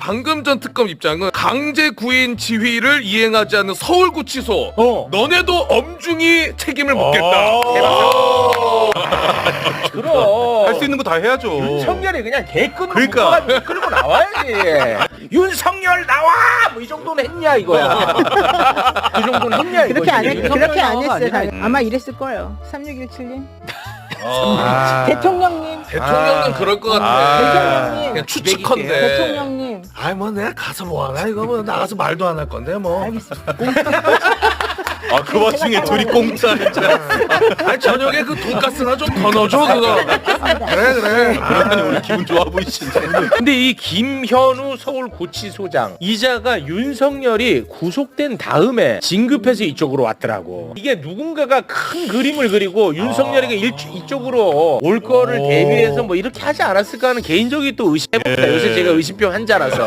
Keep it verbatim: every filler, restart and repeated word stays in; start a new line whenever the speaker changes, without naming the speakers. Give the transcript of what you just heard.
방금 전 특검 입장은 강제 구인 지휘를 이행하지 않는 서울구치소.
어.
너네도 엄중히 책임을 묻겠다.
그럼
할 수 있는 거 다 해야죠.
윤석열이 그냥 개끈으로
그러니까.
묶어가지고 끌고 나와야지. 윤석열 나와! 뭐 이 정도는 했냐 이거야. 그 정도는 했냐 이거지.
그렇게 안 했, 그렇게 안
나와가
했어요.
아니라
다- 아마 이랬을 거예요. 삼육일칠님
아.
대통령님
대통령은
아.
그럴 것 같아.
아.
대통령님
그냥 추측컨대.
대통령님
아이 뭐 내가 가서 뭐하나 이거 뭐 나가서 말도 안 할 건데 뭐.
알겠습니다.
아, 그 와중에 둘이 공짜 진짜.
아니 저녁에 그 돈가스나 좀 더 넣어줘 그거. 그래 그래.
아니, 오늘 기분 좋아 보이시네.
근데 이 김현우 서울구치소장 이자가 윤석열이 구속된 다음에 진급해서 이쪽으로 왔더라고. 이게 누군가가 큰 그림을 그리고 윤석열이가 일, 이쪽으로 올 거를 대비해서 뭐 이렇게 하지 않았을까 하는 개인적인 또 의심해봅니다. 요새 제가 의심병 환자라서.